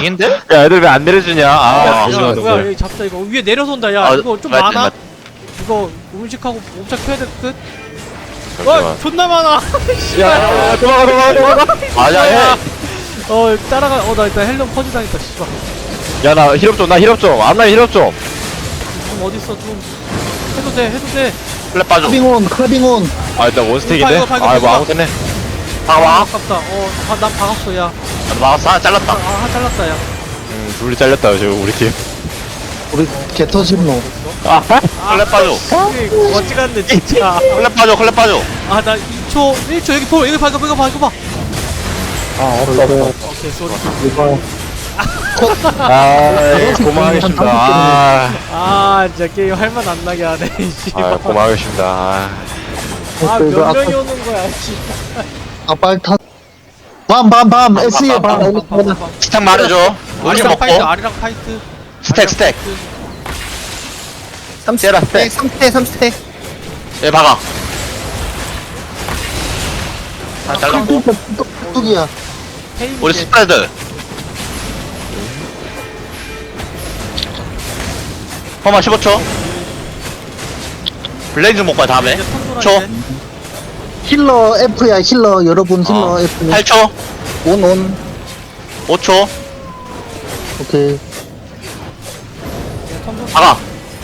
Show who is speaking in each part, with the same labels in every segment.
Speaker 1: 갱인데?
Speaker 2: 야 애들 왜 안 내려주냐?
Speaker 3: 야,
Speaker 2: 조심하세요.
Speaker 3: 누가 여기 잡자 이거 위에 내려선다. 야
Speaker 1: 아,
Speaker 3: 이거 좀
Speaker 1: 맞지,
Speaker 3: 많아.
Speaker 1: 맞지.
Speaker 3: 이거 음식하고 옵작 펴야 될 듯.
Speaker 2: 잠시만.
Speaker 3: 존나 많아.
Speaker 2: 야 도망가.
Speaker 1: 아야 해.
Speaker 3: 따라가. 나 일단 헬름 퍼지 당했다. 씨발.
Speaker 2: 야나 힐업 좀. 나 힐업 좀. 앞나 힐업 좀.
Speaker 3: 좀 어딨어 좀. 해도 돼.
Speaker 1: 플랫 빠져.
Speaker 4: 클라빙온.
Speaker 2: 아 일단 원스택인데.
Speaker 3: 이거 봐, 이거
Speaker 2: 아 뭐
Speaker 3: 봐.
Speaker 2: 아무 때네.
Speaker 1: 봐봐.
Speaker 3: 아깝다. 난 박았어. 야.
Speaker 1: 막았어. 하나 잘랐다.
Speaker 3: 잘랐다. 야.
Speaker 2: 둘이 잘렸다 지금 우리 팀.
Speaker 4: 우리 개터진노.
Speaker 2: 아
Speaker 1: 플랫 빠져.
Speaker 3: 어찌갔네 진짜.
Speaker 1: 플랫 빠져. 클랩 빠져.
Speaker 3: 나 2초 1초 여기 봐. 이거 봐.
Speaker 4: 없어.
Speaker 3: 오케이 쏘리.
Speaker 4: 이거.
Speaker 2: 고마워하겠습니다.
Speaker 3: 진짜 게임 할만 안 나게 하네.
Speaker 2: 고마워하겠습니다.
Speaker 3: 몇 명이 오는 거야.
Speaker 4: 빨리 타. 밤. SE 밤.
Speaker 1: 스택 말해줘. 우리
Speaker 3: 아리랑
Speaker 1: 먹고.
Speaker 3: 파이트. 아리랑 파이트.
Speaker 1: 스택. 때라 스택.
Speaker 4: 3스택.
Speaker 1: 얘 박아. 다 잘랐고.
Speaker 4: 뚝뚝이야.
Speaker 1: 우리 스프레드. 허마 15초. 블레이즈 먹고 다음에. 초.
Speaker 4: 힐러 F야 힐러 여러분 힐러 F.
Speaker 1: 8초.
Speaker 4: 온.
Speaker 1: 5초.
Speaker 4: 오케이.
Speaker 1: 박아.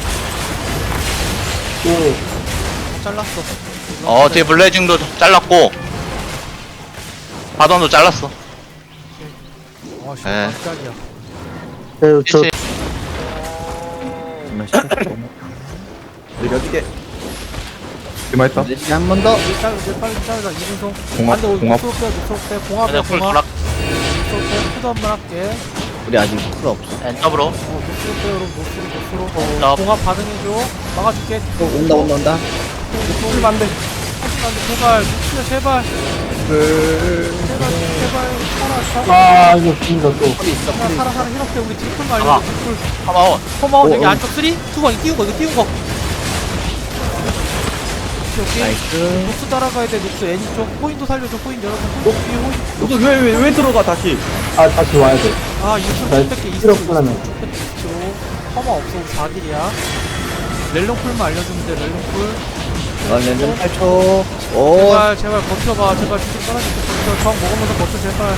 Speaker 3: 잘랐어.
Speaker 1: 뒤에 블레이징도 잘랐고. 바던도 잘랐어. 네.
Speaker 3: 깜짝이야.
Speaker 4: 저
Speaker 1: 그치.
Speaker 5: 느려지게
Speaker 2: 이마했다.
Speaker 4: 한번 더.
Speaker 3: 빨리 잘라. 이분송.
Speaker 2: 공합,
Speaker 3: 안돼 우리
Speaker 2: 공합.
Speaker 3: 녹슬 공합이야.
Speaker 1: 그냥 풀 돌아.
Speaker 3: 푸드 한번 할게.
Speaker 5: 우리 아직 풀 없어.
Speaker 1: 엔더브로.
Speaker 3: 녹슬 빼 여러분. 녹슬로.
Speaker 1: 나-
Speaker 3: 공합 반응해줘. 막아줄게.
Speaker 5: 온다.
Speaker 3: 풀 반대. 제발 녹슬 제발. 살아.
Speaker 4: 이거 진짜 또.
Speaker 3: 살아 이렇게 우리 뒷풀 말려.
Speaker 1: 아.
Speaker 3: 뒷풀.
Speaker 1: 하마원.
Speaker 3: 컴아웃 여기 안쪽 3, 2, 1 이거 띄운 거. 오케이.
Speaker 5: 나이스.
Speaker 3: 녹스 따라가야 돼. 녹스 애니 쪽 포인트 살려줘. 포인트 여러분. 포인트 뒤에 포인트.
Speaker 5: 왜 들어가 다시?
Speaker 4: 다시 와야 돼.
Speaker 3: 이스로
Speaker 4: 잘
Speaker 3: 뺄게.
Speaker 4: 필요없구나.
Speaker 3: 컴아 없어. 우리 4딜이야. 렐롱풀만 알려주면 돼. 렐롱풀.
Speaker 5: 랜덤 8초. 오.
Speaker 3: 제발 버텨봐. 제발 주식 떨어질게. 버텨. 정 먹으면서 버텨. 제발.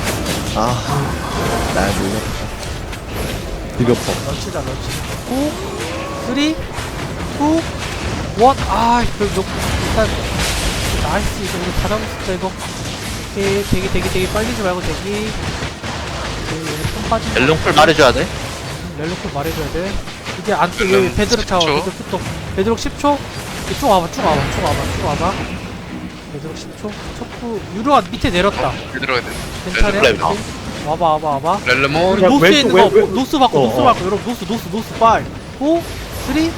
Speaker 5: 나 놀랐다.
Speaker 2: 비벼퍼.
Speaker 3: 런치다 런치. 9, 3, 2, 1. 일단 나이스. 이거 우리 다 잡았다 이거. 오케이. 대기 빨리지 말고 대기. 좀 빠진.
Speaker 1: 멜롱풀 말해줘야 돼.
Speaker 3: 렐로콜 말해줘야 돼. 이게 안쪽 여기 베드록 차워. 베드록 10초. 쭉 와봐. 베드록 10초. 척구 유로가 밑에 내렸다.
Speaker 6: 들어가야 돼.
Speaker 3: 괜찮아?
Speaker 1: 렐로콜
Speaker 3: 와봐.
Speaker 6: 렐레몬.
Speaker 3: 우리 노스에 있는 거 노스 받고 여러분 노스 5 4 3 2 1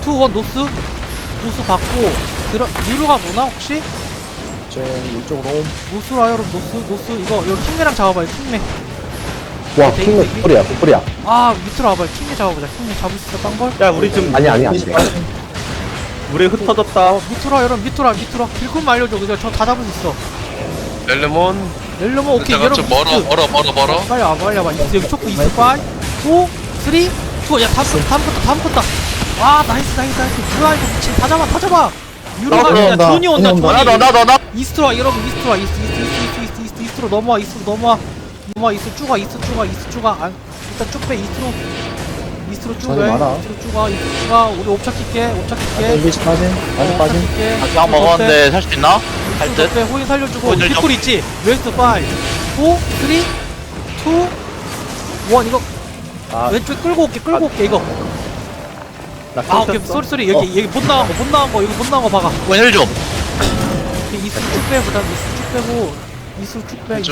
Speaker 3: 노스 받고 유로가 뭐나 혹시?
Speaker 5: 이쪽으로.
Speaker 3: 노스로 와 여러분 노스 이거 킹매랑 잡아봐요 킹매.
Speaker 4: 와
Speaker 3: 킹매
Speaker 4: 뿌리야.
Speaker 3: 밑으로 와봐요 킹매 잡아보자. 킹매 잡을 수 있어 빵벌?
Speaker 5: 야 우리 지금
Speaker 4: 아니.
Speaker 5: 물에 흩어졌다.
Speaker 3: 밑으로 와 여러분 밑으로 길금 알려줘. 그냥 저 다 잡을 수 있어.
Speaker 6: 렐레몬.
Speaker 3: 렐로모 오케이
Speaker 6: 내가 좀
Speaker 3: 여러분
Speaker 6: 멀어.
Speaker 3: 빨리 와봐 여기 초코 2 5 4 3 2 야 다음 컸다. 나이스 뭐야 이거 미친 다 잡아 유로가 그냥 존이 온다.
Speaker 1: 나.
Speaker 3: 이스트로 와 여러분 이스트로 넘어와 이스트 쭉 와 일단 쭉 빼 이스트로 쭉 와 우리 옵차 킬게
Speaker 1: 그냥 먹었는데 살 수 있나? 할 듯.
Speaker 3: पे 호인 살려주고
Speaker 1: 호인을
Speaker 3: 뒷골 있지? 웨스트 5 4 3 2 1 이거 왼쪽 끌고 올게 이거. 오케이 쏘리 여기 못 나간 거 박아.
Speaker 1: 웬일 좀.
Speaker 3: 이스트 쭉 빼. 이스트 쭉 빼.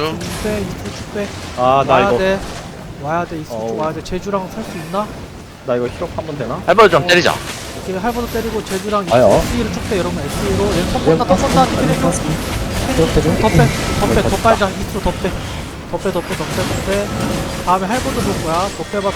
Speaker 5: 나 이거.
Speaker 3: 와야 돼 이스트 쭉 와야 돼. 제주랑 살 수 있나?
Speaker 5: 나 이거 힐업 한번 되나?
Speaker 1: 할벌 좀 때리자.
Speaker 3: 오케이 할버도 때리고 제주랑
Speaker 4: 아요.
Speaker 3: SE로 쭉 빼. 여러분 SE로 얘 턴다 디펜해줘. 더 빨자. 이스트로 더 빼. 다음에 할버도 볼 거야.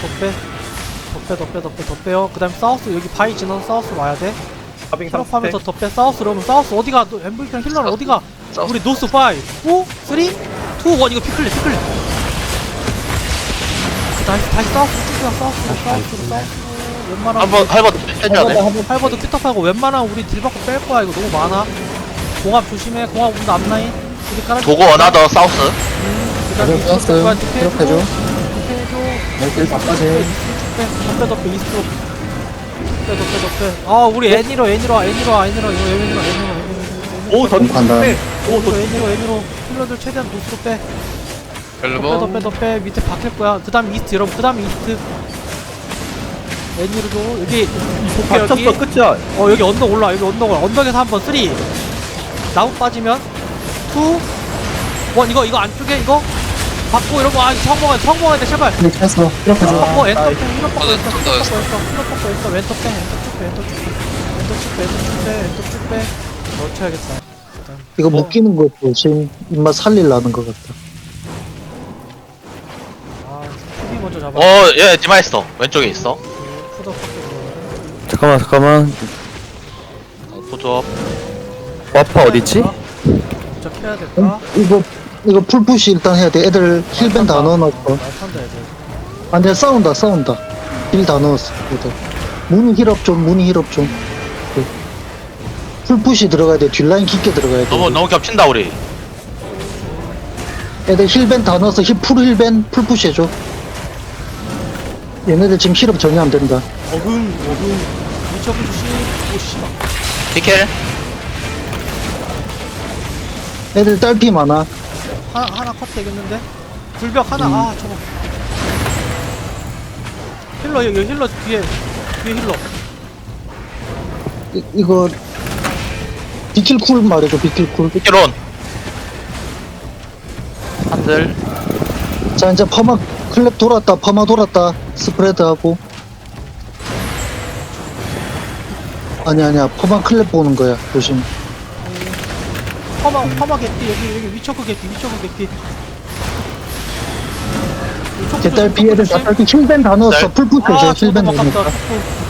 Speaker 3: 더 빼요. 그 다음에 사우스 여기 바위 지나서 사우스 와야 돼. 힐업하면서 더 빼. 사우스로 오면 사우스 어디가? 엠블이랑 힐러는 어디가? 우리 노스 5 4 3 2 1 이거 피클레 다시 사우스로 쭉가 사우스로 웬만하면
Speaker 1: 한번 해줘야 돼.
Speaker 3: 할버드 큐탑하고 웬만하면 우리 딜 받고 뺄 거야. 이거 너무 많아. 공합 조심해. 공합 온다 앞라인. 우리 깔아.
Speaker 1: 도고 어나더 사우스.
Speaker 3: 그다음에
Speaker 4: 떴어요.
Speaker 3: 이스트로
Speaker 4: 기록해줘.
Speaker 3: 힐 바꿔줘. 덮배 이스트로. 덮배. 아 우리 애니로 이거 애니로.
Speaker 5: 오 던.
Speaker 4: 간다.
Speaker 3: 애니로 힐러들 최대한 노스로 빼.
Speaker 6: 렐레몬
Speaker 3: 덮배 밑에 박힐 거야. 그다음 이스트 여러분. 그다음 이스트. 애니로도 여기 볼게 여기.
Speaker 5: 갇혔어 끝이야.
Speaker 3: 여기 언덕 올라. 여기 언덕 올라. 언덕에서 한번 3 나무 빠지면 2 1 이거 안쪽에 이거 받고 이러고 성공해야 돼 제발.
Speaker 4: 네, 쳤어. 이렇게 줘.
Speaker 3: 꺾고 엔터
Speaker 5: 아이.
Speaker 3: 펜 힐러 꺾고 있어 왼쪽 펜 왼쪽 쭉빼 넣쳐야겠다.
Speaker 4: 이거 묶이는 것도 지금 입맛 살릴라는 것 같다.
Speaker 3: 아 푸디 먼저 잡아.
Speaker 1: 얘 디마했어. 왼쪽에 있어.
Speaker 3: 푸더
Speaker 2: 잠깐만.
Speaker 1: 보조.
Speaker 2: 와파 어딨지?
Speaker 3: 진짜 캐야 될까?
Speaker 4: 이거 풀푸시 일단 해야 돼. 애들 힐밴 다 넣어놨어.
Speaker 3: 말탄다 애들.
Speaker 4: 안돼 싸운다. 힐 다 넣었어. 애들. 문이 힐업 좀. 그. 풀푸시 들어가야 돼. 뒷라인 깊게 들어가야 돼.
Speaker 1: 너무 겹친다 우리.
Speaker 4: 애들 힐밴 다 넣어서 풀 힐밴 풀푸시 해줘. 얘네들 지금 힐업 전혀 안 된다.
Speaker 3: 미쳐부 주시. 오 씨발.
Speaker 1: 디켈.
Speaker 4: 애들 딸피 많아.
Speaker 3: 하나 컷 되겠는데? 불벽 하나. 저거. 힐러 여기 힐러 뒤에 힐러.
Speaker 4: 이거 비킬 쿨 말해줘. 비킬 쿨.
Speaker 1: 디켈온. 한들.
Speaker 4: 자 이제 퍼마 클랩 돌았다. 스프레드하고. 아니야 퍼마 클랩 보는 거야. 조심.
Speaker 3: 퍼마 개피 여기 위쳐크 개피.
Speaker 4: 제 딸피 애들 다 딸피 힐밴 다 넣었어. 풀푸시 해줘. 힐밴
Speaker 3: 저거
Speaker 4: 넣으니까.
Speaker 3: 아깝다.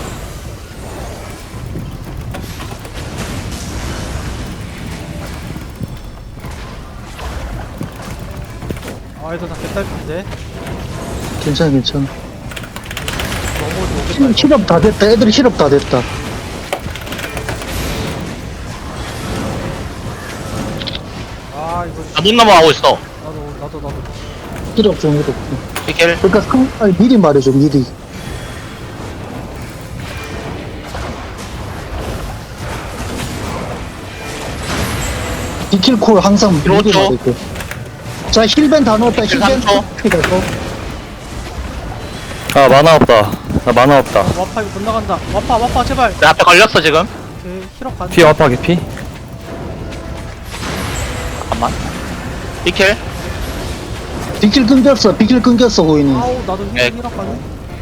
Speaker 3: 얘들 다 개딸피인데.
Speaker 4: 괜찮아.
Speaker 3: 너무 오겠다.
Speaker 4: 실업 다 됐다. 애들 실업 다 됐다.
Speaker 3: 이거
Speaker 1: 못 넘어가고 있어.
Speaker 3: 나도.
Speaker 4: 실업 좀.
Speaker 1: 디켈.
Speaker 4: 그러니까 미리 말해줘. 미리. 비킬콜 항상 미리
Speaker 1: 그렇죠.
Speaker 4: 말해줘. 자 힐밴 다 넣었다.
Speaker 1: 비킬
Speaker 4: 힐밴
Speaker 1: 3초.
Speaker 2: 아 만화 없다. 나 만화 없다.
Speaker 3: 와파 이거 못 나간다. 와파 제발.
Speaker 1: 내 앞에 걸렸어 지금.
Speaker 3: 오케이 힐업 간.
Speaker 2: 피 와파 개피?
Speaker 1: 잠깐만. 디켈.
Speaker 4: 비킬 끊겼어 고인이.
Speaker 3: 아우 나도
Speaker 1: 네.
Speaker 3: 힐업 가네.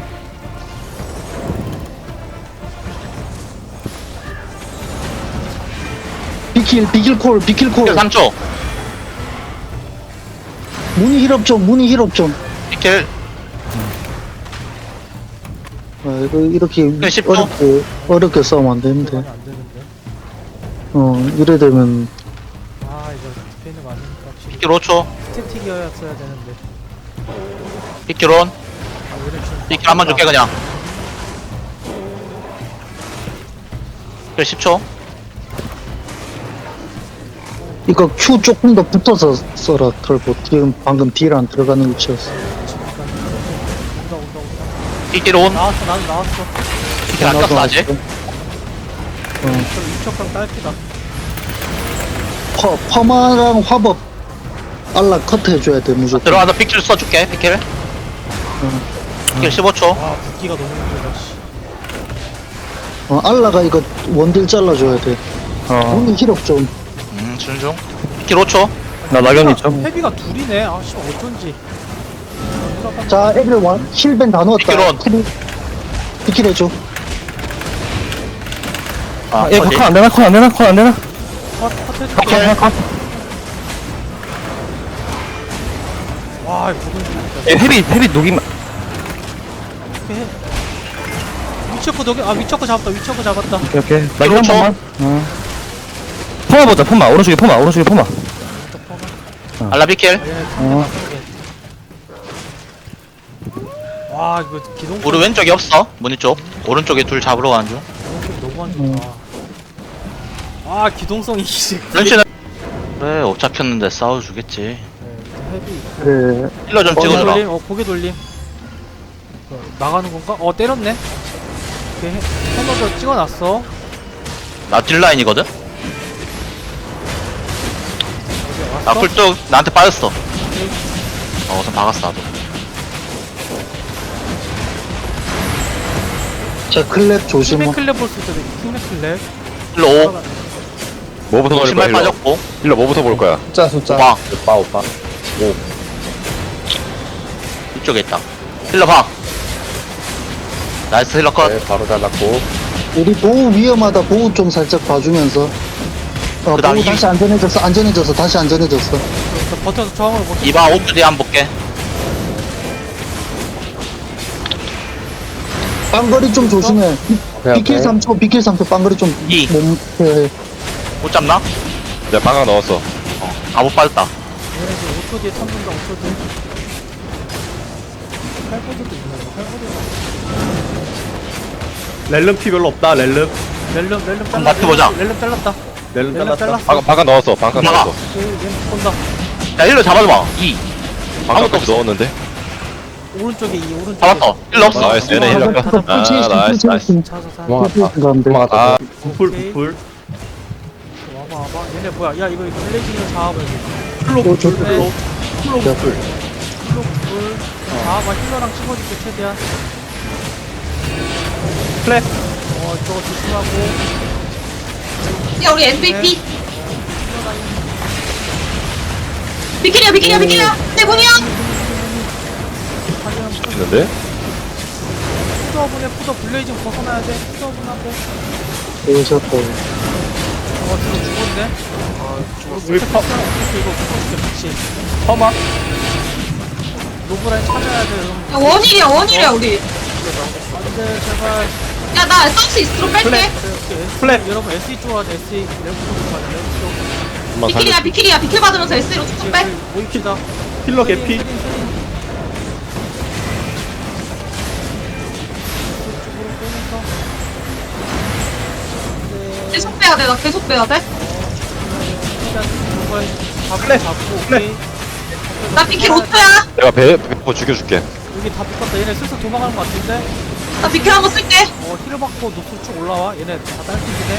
Speaker 4: 비킬콜.
Speaker 1: 디켈 3초.
Speaker 4: 문이 힐업 좀.
Speaker 1: 디켈.
Speaker 4: 이거 이렇게
Speaker 1: 10초.
Speaker 4: 어렵게 싸우면 안 되는데.
Speaker 3: 안 되는데.
Speaker 4: 이래 되면
Speaker 3: 이거 디페인드 맞으니까 확실히
Speaker 1: 디켈 5초.
Speaker 3: 스태틱이었어야 되는데.
Speaker 1: 디켈온.
Speaker 3: 얘네 지금
Speaker 1: 디켈 한번 줄게 그냥. 디켈 10초.
Speaker 4: 이거 Q 조금 더 붙어서 써라. 털보 지금 방금 딜 안 들어가는 위치였어.
Speaker 3: 온다.
Speaker 1: 디켈 온.
Speaker 3: 나왔어.
Speaker 1: 디켈 안 떴어 아직.
Speaker 3: 저 위쪽강 딸피다.
Speaker 4: 퍼마랑 화법 알라 커트 해줘야 돼 무조건.
Speaker 1: 들어가서 픽줄 써줄게. 디켈. 디켈 15초.
Speaker 3: 붓기가 너무 힘들다. 씨.
Speaker 4: 알라가 이거 원딜 잘라줘야 돼. 문이 힐업 좀.
Speaker 1: 준중. 디켈 5초.
Speaker 2: 나 낙연이 좀.
Speaker 3: 헤비가 둘이네. 씨발 어쩐지.
Speaker 4: 자 애들 힐밴 다 넣었다.
Speaker 1: 비킬 온.
Speaker 4: 비킬 해줘.
Speaker 2: 얘
Speaker 1: 어디?
Speaker 2: 컷 안 되나?
Speaker 3: 컷 해줄게. 와 이거 너무 힘들다.
Speaker 2: 얘 헤비 녹이면.
Speaker 3: 어떻게 해? 위쳐크 잡았다.
Speaker 2: 오케이. 낙연 한
Speaker 1: 그렇죠.
Speaker 2: 번만. 포마 보자. 포마. 오른쪽에 포마.
Speaker 1: 알라 디켈.
Speaker 3: 와 이거 기동
Speaker 1: 우리 왼쪽에 없어 문이 쪽 오른쪽에 둘 잡으러 가는 중
Speaker 3: 너무 안 좋다. 아 기동성이 이제
Speaker 1: 런치는 그래 엎잡혔는데 싸워주겠지
Speaker 3: 헤비.
Speaker 4: 그래.
Speaker 1: 힐러 좀
Speaker 3: 고개
Speaker 1: 찍어주라
Speaker 3: 돌림. 고개 돌림. 나가는 건가? 때렸네. 오케이. 코너도 찍어놨어.
Speaker 1: 나 딜라인이거든? 나
Speaker 3: 왔어?
Speaker 1: 쿨뚝 나한테 빠졌어
Speaker 3: 오케이.
Speaker 1: 우선 박았어 나도
Speaker 4: 자, 클랩 조심.
Speaker 3: 킹맥 클랩 볼 수 있어. 킹맥 클랩.
Speaker 1: 힐러 5
Speaker 2: 뭐부터 걸 거야
Speaker 1: 신발
Speaker 2: 힐러
Speaker 1: 빠졌고
Speaker 2: 힐러 뭐부터 볼 거야
Speaker 5: 숫자
Speaker 1: 오빠
Speaker 5: 오빠
Speaker 1: 이쪽에 있다 힐러 봐 나이스 힐러 컷
Speaker 5: 바로 잘랐고
Speaker 4: 우리 보우 위험하다. 보우 좀 살짝 봐주면서.
Speaker 1: 그다음
Speaker 4: 보우
Speaker 1: 이-
Speaker 4: 다시 안전해졌어. 다시 안전해졌어.
Speaker 3: 버텨서 저항으로 버텨.
Speaker 1: 이봐 5초 뒤에 한번 볼게
Speaker 4: 빵거리 좀 조심해. 비킬 3초, 비킬 3초, 빵거리 좀.
Speaker 1: 이.
Speaker 4: 해.
Speaker 1: 못 잡나?
Speaker 2: 내가 방각 넣었어
Speaker 1: 아못 빠졌다
Speaker 3: 얘네 지금 5초 뒤에 참는다. 5초 뒤에. 8포즈도 있네. 8포즈.
Speaker 5: 렐름 피 별로 없다 렐름
Speaker 3: 렐름
Speaker 1: 한번
Speaker 3: 잘랐다.
Speaker 1: 맞춰보자.
Speaker 3: 렐름 잘랐다.
Speaker 5: 렐름
Speaker 3: 렐름
Speaker 5: 잘랐어
Speaker 3: 잘랐어.
Speaker 2: 방각 넣었어 방각
Speaker 1: 막아.
Speaker 2: 넣었어
Speaker 3: 얘는 본다.
Speaker 1: 야 힐러 잡아줘봐 2
Speaker 2: 방각까지 넣었는데
Speaker 3: 오른쪽에 이 오른쪽에.
Speaker 1: 잡았어 힐러 없어
Speaker 2: 나이스 얘네 힐러 컷 아, 나이스 나이스
Speaker 3: 차서
Speaker 2: 도망갔다 아
Speaker 5: 부풀 부풀
Speaker 3: 와봐. 얘네 뭐야? 야 이거 블레이징을 잡아봐야지.
Speaker 5: 플로 부풀
Speaker 3: 네.
Speaker 5: 플로 플로 부풀
Speaker 3: 힐러 불. 잡아봐. 힐러랑 찍어줄게 최대한.
Speaker 5: 플랫
Speaker 3: 저거 조심하고.
Speaker 7: 야 우리 MVP 비키리야 내 공이야
Speaker 3: 하지만
Speaker 2: 있는데
Speaker 3: 푸더분에 푸더 블레이징 벗어나야 돼. 푸더분하고.
Speaker 4: 오셨다.
Speaker 3: 저거 죽었네.
Speaker 5: 우리 퍼
Speaker 3: 이거 죽었어. 같이.
Speaker 5: 퍼마
Speaker 3: 노브라인 찾아야 돼.
Speaker 7: 야 원일이야 우리
Speaker 3: 안돼 제발.
Speaker 7: 야 나 서치 이스트로 뺄게
Speaker 5: 플랫.
Speaker 3: 여러분 SE 좋아하자. SE 레프트로 가자. 레프트로.
Speaker 2: 한번 살려
Speaker 7: 비키리야 비킬 받으면서 S로 쭉쭉 빼
Speaker 3: 모입시다.
Speaker 5: 힐러 개피
Speaker 7: 계속 빼야 돼나 계속 빼야 돼나
Speaker 3: 잡고 잡고 오케이.
Speaker 7: 비킬 5초야
Speaker 2: 내가 배포 죽여줄게
Speaker 3: 여기 다 붙었다. 얘네 슬슬 도망가는 것 같은데.
Speaker 7: 나 비킬 한번 쓸게
Speaker 3: 힐을 받고 노스 쭉 올라와. 얘네 다 딸피기네.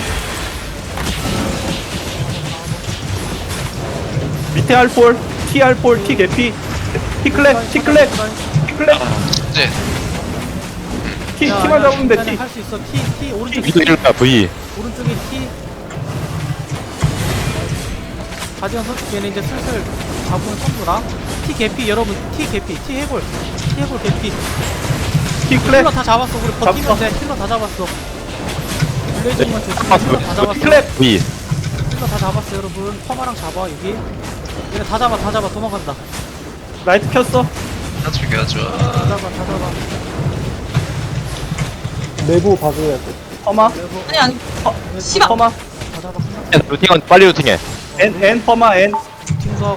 Speaker 5: 밑에 알폴 T 알폴 T 개피 T 클랩 T 클랩 T 클랩
Speaker 6: 이제
Speaker 5: T만 잡으면 돼 T
Speaker 3: 할수 있어. T 오른쪽
Speaker 2: 위도 힐러야 V
Speaker 3: 오른쪽에 T. 가디언 선수 얘네 이제 슬슬 잡으면 선수라. T 개피 여러분. T 개피. T 해볼. T 해볼 개피.
Speaker 5: T
Speaker 3: 힐러
Speaker 5: 클랩
Speaker 3: 다 잡았어. 우리 버티면
Speaker 5: 잡았어.
Speaker 3: 돼. 힐러 다 잡았어. 블레이징만 조심해. 힐러 다 잡았어.
Speaker 5: 클랩
Speaker 2: V
Speaker 3: 힐러 다 잡았어 여러분. 퍼마랑 잡아 여기. 얘네 다 잡아 도망간다.
Speaker 5: 라이트 켰어
Speaker 6: 다 죽여줘.
Speaker 3: 다 잡아.
Speaker 5: 퍼마
Speaker 7: 아니 씨발
Speaker 5: 퍼마
Speaker 3: 다 잡아.
Speaker 2: 루팅은 빨리 루팅해
Speaker 5: N 퍼마 N